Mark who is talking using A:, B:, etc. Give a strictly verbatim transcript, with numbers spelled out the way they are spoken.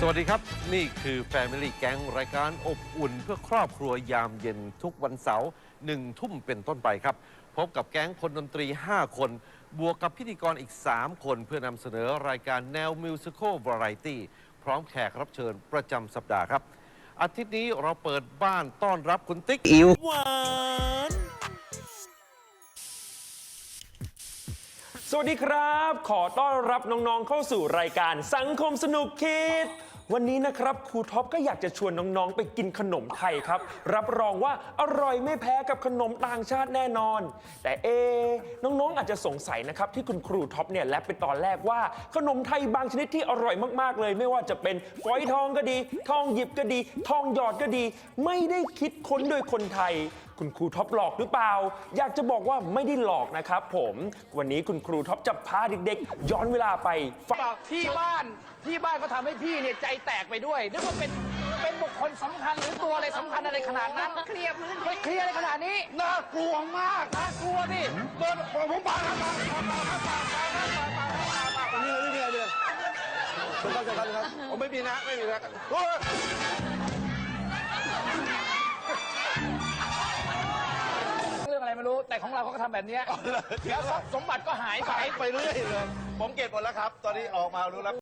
A: สวัสดีครับนี่คือ Family Gang รายการอบอุ่นเพื่อครอบครัวยามเย็นทุกวันเสาร์หนึ่งทุ่มเป็นต้นไปครับพบกับแก๊งคนดนตรีห้าคนบวกกับพิธีกรอีกสามคนเพื่อนำเสนอรายการแนวมิวสิควลวาไรตี้พร้อมแขกรับเชิญประจำสัปดาห์ครับอาทิตย์นี้เราเปิดบ้านต้อนรับคุณติ๊กอิวหวาน
B: สวัสดีครับขอต้อนรับน้องๆเข้าสู่รายการสังคมสนุกคิดวันนี้นะครับครูท็อปก็อยากจะชวนน้องๆไปกินขนมไทยครับรับรองว่าอร่อยไม่แพ้กับขนมต่างชาติแน่นอนแต่เอน้องๆอาจจะสงสัยนะครับที่คุณครูท็อปเนี่ยแลบไปตอนแรกว่าขนมไทยบางชนิดที่อร่อยมากๆเลยไม่ว่าจะเป็นฝอยทองก็ดีทองหยิบก็ดีทองหยอดก็ดีไม่ได้คิดค้นโดยคนไทยคุณครูท็อปหลอกหรือเปล่าอยากจะบอกว่าไม่ได้หลอกนะครับผมวันนี้คุณครูท็อปจะพาเด็กๆย้อนเวลาไป
C: ที่บ้านที่บ้านก็ทำให้พี่เนี่ยใจแตกไปด้วยนึกว่าเป็นเป็นบุคคลสำคัญหรือตัวอะไรสำคัญอะไรขนาดนั้นเคลียร์พื้นไม่เคลียร์อะไรขนาดนี้น่ากลัวมากน่ากลัวดิเดินผมปาครับปาปาปาปานี่ไม่มีอะไรเลยผมเข้าใจครับครับผมไม่มีนะไม่มีนะเรื่องอะไรไม่รู้แต่ของเราเขาก็ทำแบบนี้แล้วสมบัติก็หายไปไปเรื่อยเลยผมเก็บหมดแล้วครับตอนนี้ออกมารู้แล้ว